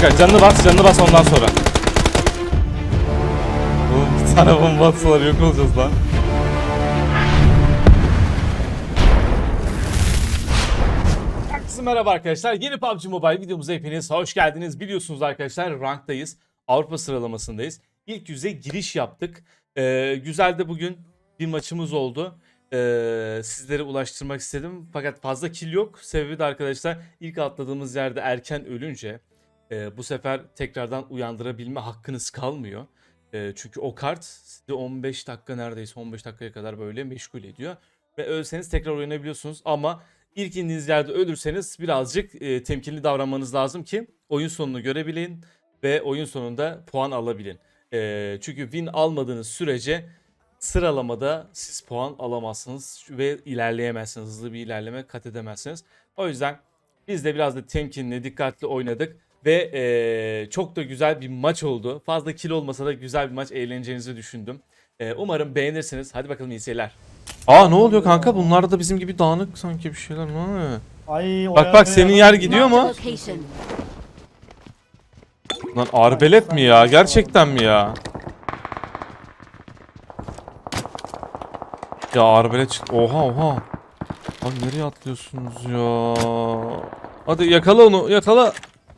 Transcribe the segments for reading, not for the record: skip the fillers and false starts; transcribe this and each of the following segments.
Kanka canını bas ondan sonra. Oğlum bir tane bomba atsalar yok olacağız lan. Herkese merhaba arkadaşlar. Yeni PUBG Mobile videomuza hepiniz hoş geldiniz. Biliyorsunuz arkadaşlar ranktayız. Avrupa sıralamasındayız. İlk yüze giriş yaptık. Güzel de bugün bir maçımız oldu. Sizlere ulaştırmak istedim. Fakat fazla kill yok. Sebebi de arkadaşlar ilk atladığımız yerde erken ölünce bu sefer tekrardan uyandırabilme hakkınız kalmıyor. Çünkü o kart sizi 15 dakika neredeyse 15 dakikaya kadar böyle meşgul ediyor. Ve ölseniz tekrar oynayabiliyorsunuz ama İlk indiğiniz yerde ölürseniz birazcık temkinli davranmanız lazım ki oyun sonunu görebilin ve oyun sonunda puan alabilin. Çünkü win almadığınız sürece sıralamada siz puan alamazsınız ve ilerleyemezsiniz. Hızlı bir ilerleme kat edemezsiniz. O yüzden biz de biraz da temkinli, dikkatli oynadık ve çok da güzel bir maç oldu. Fazla kill olmasa da güzel bir maç, eğleneceğinizi düşündüm. Umarım beğenirsiniz. Hadi bakalım iyi seyirler. Aa ne oluyor kanka? Bunlar da bizim gibi dağınık sanki bir şeyler. Ne oluyor? Ay, Bak senin yer gidiyor mu? Lan arbelet mi ya? Gerçekten mi ya? Ya arbelet çıktı. Oha. Lan nereye atlıyorsunuz ya? Hadi yakala onu, yakala.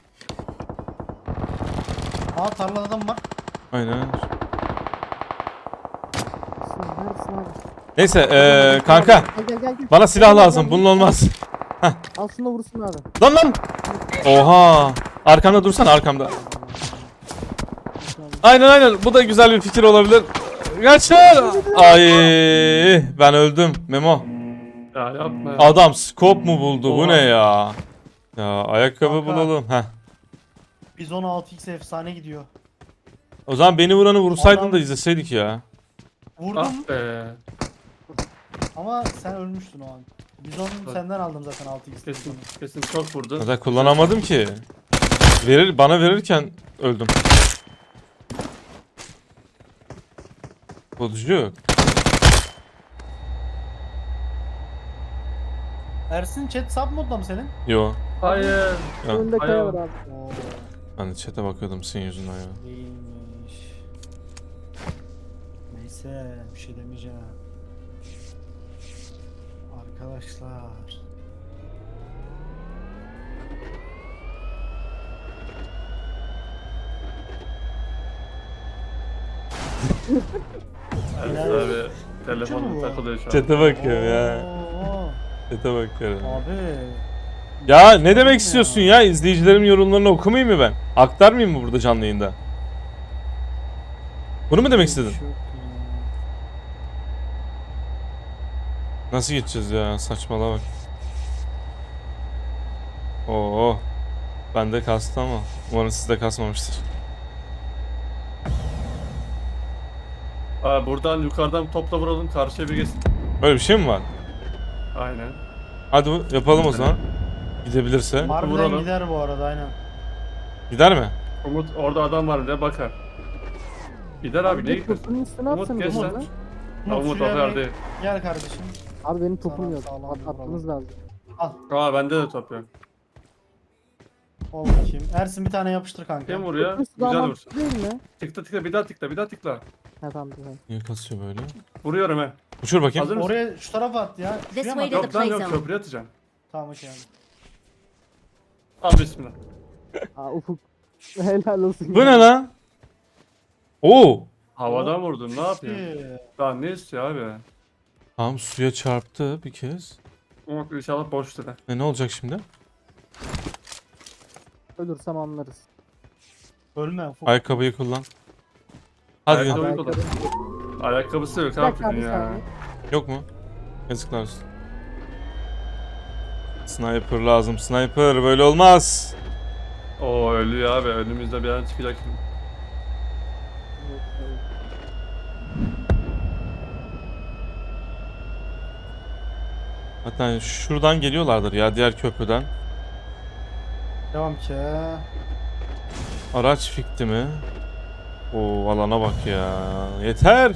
Aa, tarlada adam var. Aynen. Neyse kanka Gel. bana silah lazım. Bunun olmaz. Al şunu da vursun abi. Lan. Oha. Arkamda dursana, arkamda. Aynen. Bu da güzel bir fikir olabilir. Kaçır. Ay ben öldüm Memo. Ya yapma ya. Adam scope mu buldu? Bu Oha. ne ya? Ya ayakkabı Kanka. bulalım. Heh. Biz 16x efsane gidiyor. O zaman beni vuranı vursaydın Adam- da izleseydik ya. Vurdum Ah be. ama sen ölmüştün o an. Biz onu senden aldım zaten 6x. Kesin çok vurdu. Zaten kullanamadım ki. Bana verirken öldüm. Bulucu. Ersin, chat sub modda mı senin? Yo. Hayır. Ya. Önünde kaya Ayağı. var abi. Oo, Ben de chat'e bakıyordum senin yüzünden ya. değilmiş. Neyse, bir şey demeyeceğim. Arkadaşlar. Evet abi. mu Telefonum bu? takılıyor şu an. Chat'e bakıyorum ya. Oo, Chat'e bakıyorum. abi. Ya ne demek istiyorsun ya? İzleyicilerin yorumlarını okumayayım mı ben? Aktarmayayım mı burada canlı yayında? Bunu mu demek istedin? Çok iyi. Nasıl geçeceğiz ya? Saçmalama bak. Oo. Bende kastı ama umarım sizde kasmamıştır. Aa, buradan yukarıdan topla vuralım, karşıya bir geçsin. Böyle bir şey mi var? Aynen. Hadi yapalım o zaman. Gidebilirse. Harbiden Vuralım. gider bu arada, aynen. Gider mi? Umut orada adam var diye bakar. Gider abi, niye gitmesin? Topunun üstüne Umut atsana geç Umut. lan. Umut, Umut şuraya atar bir değil. Gel kardeşim. Abi benim topum Sana yok. sağlam bir Atmanız lazım. Al. Aa, bende de top yok. Ol bakayım. Ersin, bir tane yapıştır kanka. Kim vuruyor? Köprüsü Güzel daha vur. mantıklı değil mi? Tıkla, bir daha tıkla. Ha tamam güzel. Niye kasıyor böyle? Vuruyorum he. Uçur bakayım. Hazır mısın? Oraya, şu tarafa at ya. This Şuraya mı way to at? the Yok lan, play yok, zone. köprüye atacağım. Tamam, okey abi. Al bismillah. Aa Ufuk. Helal olsun. Bu ne lan? Oo. Havadan vurdun, ne yapıyorsun? İyi. Daha ne istiyor abi? Tam suya çarptı bir kez. Umut inşallah boştur ha. Ne olacak şimdi? Ölürsem anlarız. Ölme Ufuk. Ayakkabıyı kullan. Hadi Ayakkabı- gel. Uygun. Ayakkabısı yok Bir dakika abi abi ya. saniye. Yok mu? Yazıklar olsun. Sniper lazım. Sniper böyle olmaz. Oo, ölüyor abi, önümüzde bir an çıkacak şimdi. Hatta şuradan geliyorlardır ya, diğer köprüden. Devam ki. Araç fikti mi? Oo alana bak ya. Yeter.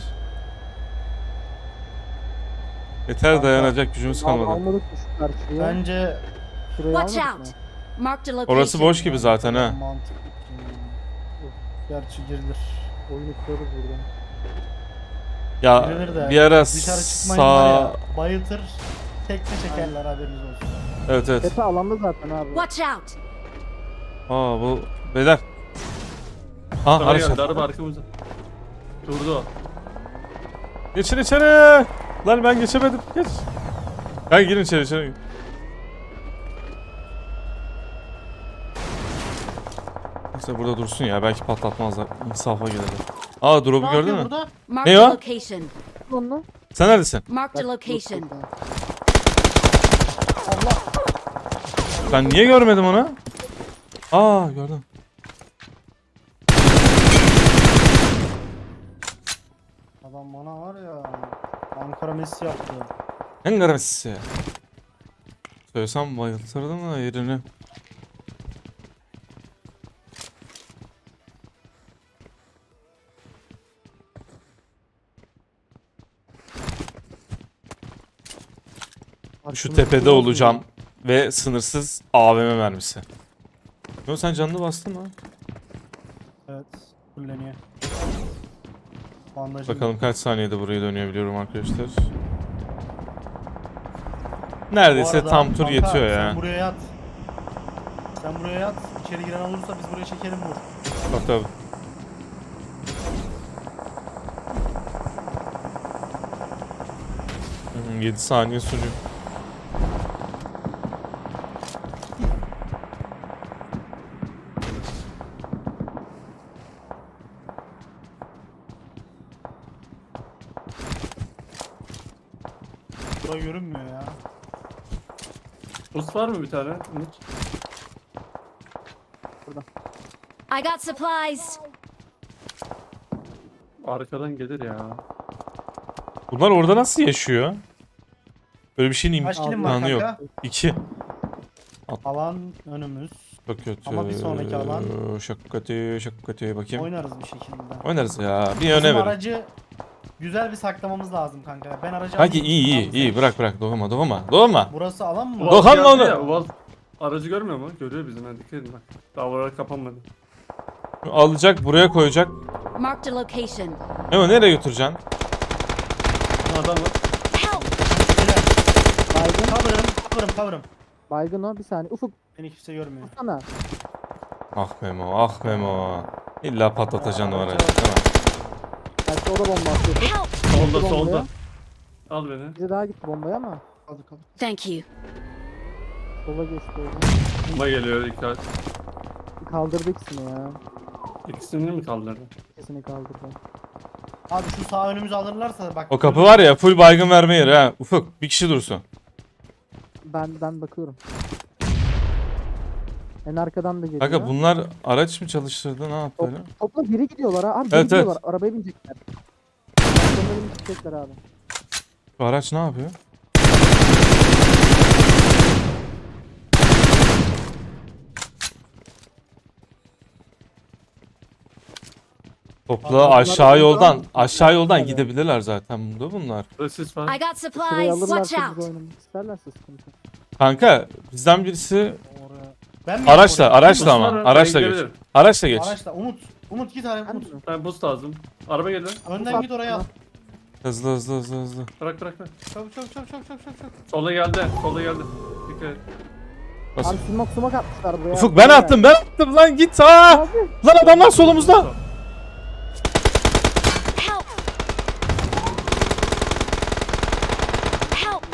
Yeter, dayanacak gücümüz kalmadı. Almadık mı şu karşıya? Bence Şurayı Watch almadık out. mı? Marked a location. Orası boş gibi zaten ha. Mantıklı. Gerçi girilir. Oyunu kurarız buradan. Ya Girilir de. bir ara Dışarı çıkmayın var sağ... ya. Bayıltır. Tekme çekerler haberiniz olsun. Evet evet. Tepe alanda zaten abi. Watch out. Aa bu beyler. Ha Araba araç. geldi, araba arkamızda. Durdu o. Geçin içeri. Lan ben geçemedim. Geç. Kanka girin içeri. Neyse burada dursun ya. Belki patlatmazlar. İnsafa gelirler. Aa drop'u Ne gördün yapıyor mü? burada? Marked Ne a o? location. Onu. Sen neredesin? Marked a location. Ben niye görmedim onu? Aa gördüm. Adam bana var ya. Ankara Messi yaptı. En garantisi. Söylesem bayıltırdım da yerini. Şu tepede olacağım ve sınırsız AVM mermisi. Yo sen canını bastın mı? Evet. Kulleniyor. Bandajım. Bakalım kaç saniyede burayı dönebiliyorum arkadaşlar. Neredeyse Bu arada tam tur kanka, yetiyor ya. Sen buraya yat. Sen buraya yat. İçeri giren olursa biz buraya çekelim vur. Bak tabi. Hmm, 7 saniye sürüyor. Bura görünmüyor ya. Boost var mı bir tane? Umut. I got supplies. Arkadan gelir ya. Bunlar orada nasıl yaşıyor? Böyle bir şeyin Kaç kilim var imkanı yok. kanka? 2. Alan önümüz. Çok kötü. Ama bir sonraki alan- Çok kötü, çok kötü. Bakayım. Oynarız bir şekilde. Oynarız ya. Bir Bizim öne verin. aracı güzel bir saklamamız lazım kanka. Ben aracı Kanki alayım. iyi Tamam, iyi sen- bırak bırak. Doğma. Burası alan mı? Dokan geldi onu. ya, Uaz aracı görmüyor mu? Görüyor bizim. Hadi dikkat edin bak. Daha oralar kapanmadı. Alacak buraya koyacak. Marked a location. Ama nereye götüreceksin? Ha, adam var. Help. Baygın. Cover'ım. Baygın o bir saniye. Ufuk Beni kimse görmüyor. sana. Ah Memo. İlla patlatacaksın o aracı. Aracı- Tamam. Belki o da bomba atıyordu. Help. Solda Bombaya. solda. Al beni. Biri daha gitti bombaya ama. Kaldı kaldı. Thank you. Sola geçti orada. Bomba geliyor dikkat. Kaldırdı ikisini ya. İkisini mi kaldırdı? İkisini kaldırdı. Abi şu sağ önümüzü alırlarsa bak. O kapı var ya full baygın verme yeri ha. Ufuk bir kişi dursun. Ben bakıyorum. En arkadan da geliyor. Kanka bunlar araç mı çalıştırdı ne yaptı öyle? Topla geri gidiyorlar ha. Abi geri Evet, gidiyorlar. evet. Arabaya binecekler. Arabaya binecekler abi. Bu araç ne yapıyor? Topla Abi, aşağı yoldan Evet. gidebilirler zaten bunda bunlar. Burada sis I var. got Şurayı supplies. Watch alırlarsa out. biz oynamak isterlerse sıkıntı. Kanka bizden birisi Oraya. Ben mi araçla yapayım araçla ama Buslar, araçla ben geç. gidebilirim. Araçla geç. oraya? Araçla. Umut git araya Umut. Ben boost lazım. Araba geliyor. Önden git oraya al. Hızlı. Bırak bırak. Çabuk. Sola geldi. Sola geldi. Dikkat et. Nasıl? Abi smoke atmışlar buraya. Ufuk ben attım lan git ha. Abi. Lan adamlar solumuzda. Help. Help.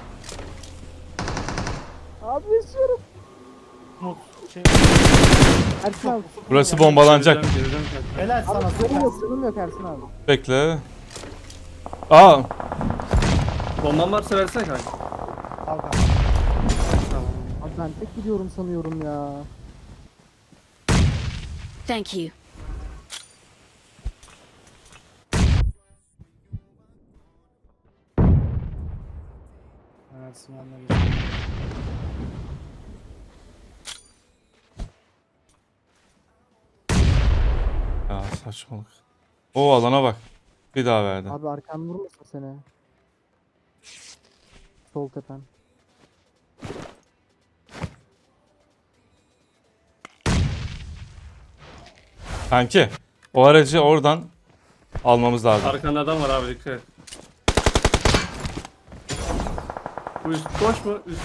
Abi yaşıyorum. Umut. Şey, Ersin abi. Burası bombalanacak. Geleceğim. helal sana. Abi canım süper. yok canım yok Ersin abi. Bekle. Aa Bomban varsa versene kanka. Al kanka. Tamam. Abi ben tek gidiyorum sanıyorum ya. Thank you. Evet yanına geç. Ya saçmalık. O alana bak. Bir daha verdi. Abi arkan vurmasın seni. Sol tepen. Kanki o aracı oradan almamız lazım. Arkanda adam var abi, dikkat et. Bu üst boş mu? Üst.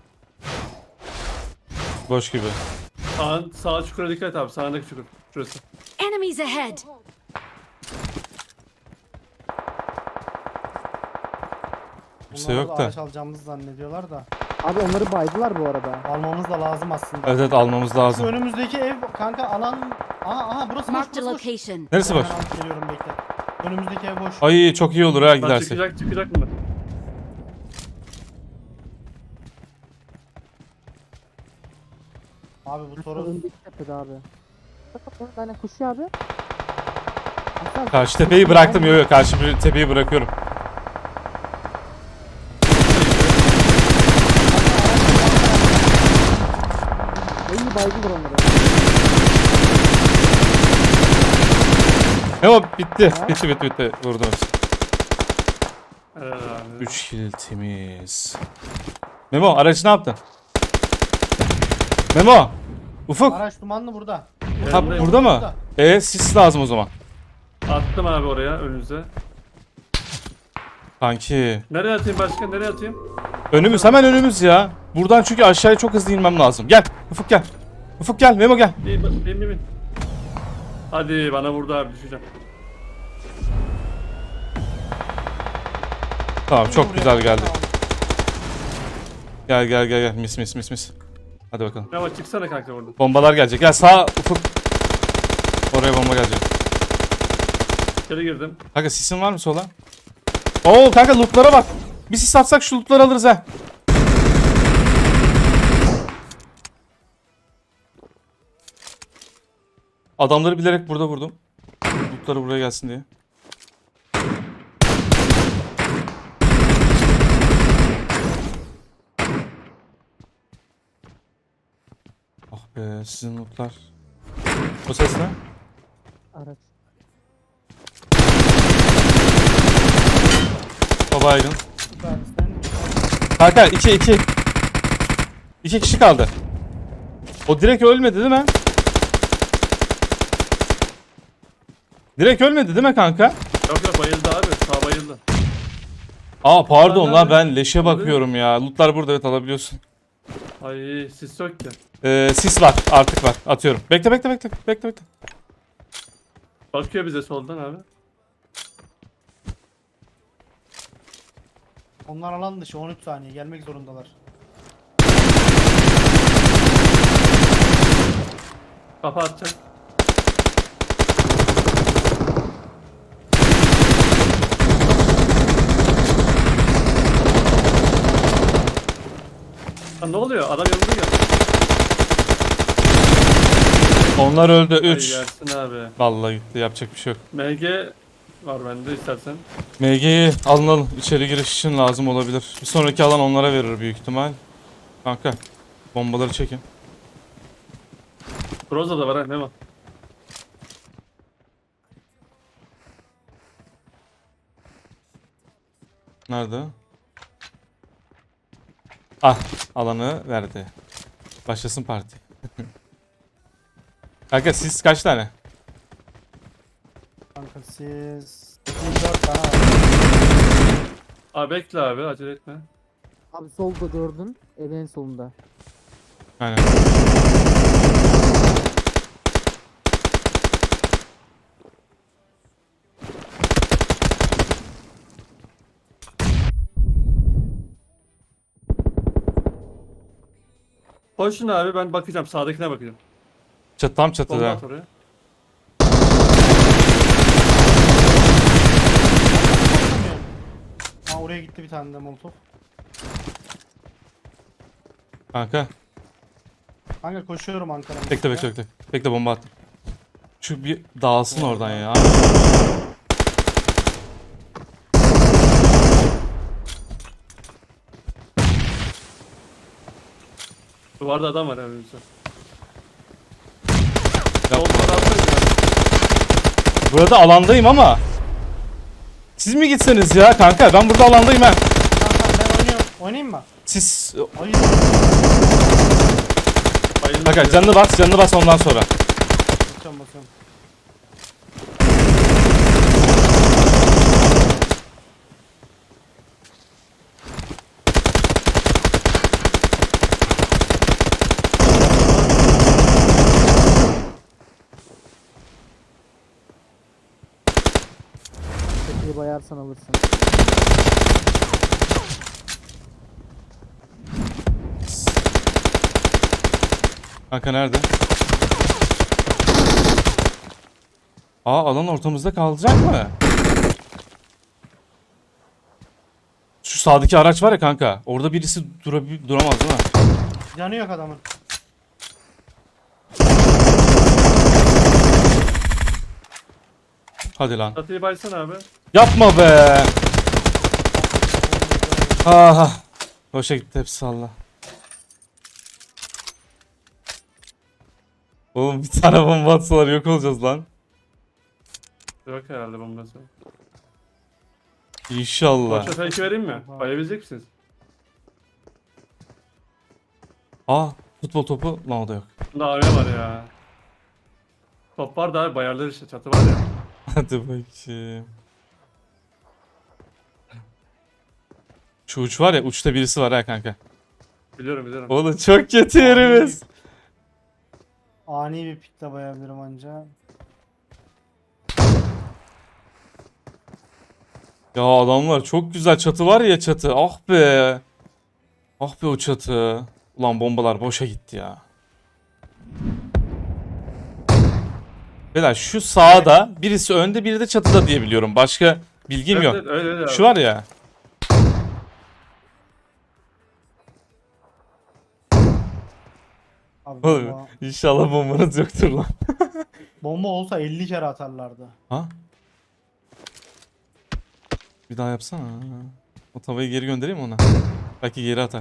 Boş gibi. Sağ çukura dikkat et abi. Sağındaki çukur. Şurası. Enemies ahead! Kimse Bunlar yok da da. araç alacağımızı zannediyorlar da. Abi onları baydılar bu arada. Almamız da lazım aslında. Evet evet almamız Şu lazım. önümüzdeki ev kanka alan... Aha burası boş, Marked a burası boş. location. Neresi boş? Ben alıp geliyorum, bekle. Önümüzdeki ev boş. Ay çok iyi olur ha Lan gidersek. çıkacak mı? Abi bu Toros Öndeki tepede abi. Bak bak aynen koşuyor abi. Hasan, Karşı tepeyi bıraktım. Yok yok karşı bir tepeyi bırakıyorum. iyi baydılar onları. Memo bitti. Bitti. Vurdum hepsi. Evet abi. 3 kill temiz. Memo aracı ne yaptın? Memo. Ufuk. araç dumanlı burada. Ha Yanındayım. burada mı? Sis lazım o zaman. Attım abi oraya önünüze. Kanki. Nereye atayım başka? Nereye atayım? Önümüz hemen önümüz ya. Buradan çünkü aşağıya çok hızlı inmem lazım. Gel Ufuk gel. Ufuk gel Memo gel. Bin. Hadi bana vurdu abi, düşeceğim. Tamam çok güzel geldi. Gel. Mis. Hadi bakalım. Ama çıksana kanka buradan. Bombalar gelecek. Gel sağ Ufuk. Oraya bomba gelecek. İçeri girdim. Kanka sisin var mı sola? Oo kanka lootlara bak. Bir sis atsak şu lootları alırız ha. Adamları bilerek burada vurdum. Lootları buraya gelsin diye. Ah be sizin lootlar. O ses ne? Araç. O baygın. Süpersin. Kanka 2. 2 kişi kaldı. O direkt ölmedi değil mi? Direkt ölmedi değil mi kanka? Yok bayıldı abi. Sağ bayıldı. Aa pardon Lootlar lan nerede? ben leşe bakıyorum ya. Lootlar burada evet alabiliyorsun. Ay sis yok ki. Sis var artık var atıyorum. Bekle. Bakıyor bize soldan abi. Onlar alan dışı 13 saniye gelmek zorundalar. Kafa atacak. Lan ne oluyor? Adam yanımda geldi. Onlar öldü Ay 3. yersin abi. Vallahi gitti yapacak bir şey yok. MG var bende istersen. MG'yi alın içeri giriş için lazım olabilir. Bir sonraki alan onlara verir büyük ihtimal. Kanka bombaları çekin. Groza da var ha, ne var? Nerede? Ah alanı verdi. Başlasın parti. Kanka siz kaç tane? Kanka siz 4 tane var. Abi bekle abi, acele etme. Abi solda gördün. Evin en solunda. Aynen. Koşun abi, ben bakacağım, sağdakine bakacağım. Tam Bomba çatıda. at oraya. Ha oraya gitti bir tane de molotof. Kanka Kanka koşuyorum Ankara'ya. bekle. Bekle bomba attım. Şu bir dağılsın oradan ya. Duvarda adam var önümüzde. Yapma. Solda adam var. Burada alandayım ama. Siz mi gitseniz ya kanka? Ben burada alandayım ha. Kanka ben oynuyorum. Oynayayım mı? Siz Hayır. Bayıldı. kanka canını bas ondan sonra. Basıyorum. bayarsan alırsın. Kanka nerede? Alan ortamızda kalacak mı? Şu sağdaki araç var ya kanka. Orada birisi duramaz değil mi? Canı yok adamın. Hadi lan. Çatıyı baysana abi. Yapma be. Aha. Boşa gitti hepsi salla. Oğlum bir tane bomba atsalar yok olacağız lan. Yok herhalde bombası. İnşallah. Boşa belki vereyim mi? Bayabilecek misiniz? Futbol topu lan o da yok. Bunda AVM var ya. Top var da abi bayarlar işte çatı var ya. Hadi bakayım. Şu uç var ya, uçta birisi var ha kanka. Biliyorum biliyorum. Oğlum çok kötü yerimiz. Ani bir pikle bayabilirim anca. Ya adamlar çok güzel, çatı var ya, çatı. Ah be. Ah be o çatı. Ulan bombalar boşa gitti ya. Beyler şu sağda birisi önde, biri de çatıda diye biliyorum. Başka bilgim Evet, yok. evet, öyle öyle abi. Şu var ya. Abi Oğlum, bomba, İnşallah bombanız yoktur lan. bomba olsa 50 kere atarlardı. Ha? Bir daha yapsana. O tavayı geri göndereyim mi ona? Belki geri atar.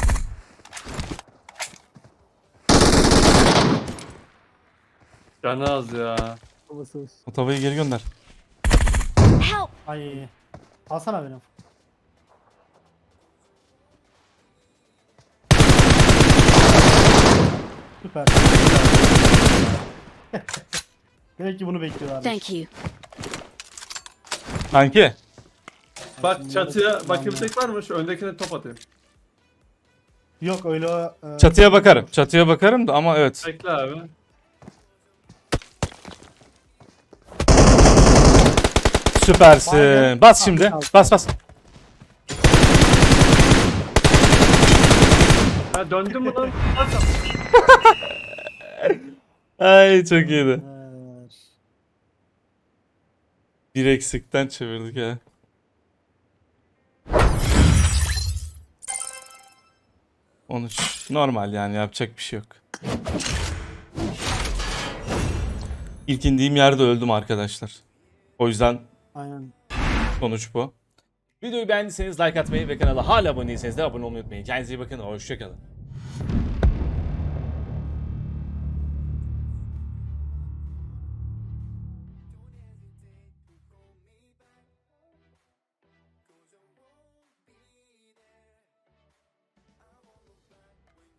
Canı az ya. Babası. O tavayı geri gönder. Help! Ay. Alsana benim. Süper. Demek ki bunu bekliyorlar. Thank you. Kanki. Bak çatıya bakabilecek var mı? Şu öndekine top atayım. Yok öyle. Çatıya bakarım. Çatıya bakarım da ama evet. Bekle abi. Süpersin. Bas şimdi. Bas bas. Ha döndün mü lan? Ay çok iyiydi. Evet. Bir eksikten çevirdik ha. Normal yani, yapacak bir şey yok. İlk indiğim yerde öldüm arkadaşlar. O yüzden Aynen. sonuç bu. Videoyu beğendiyseniz like atmayı ve kanala hala abone değilseniz de abone olmayı unutmayın. Kendinize iyi bakın. Hoşçakalın.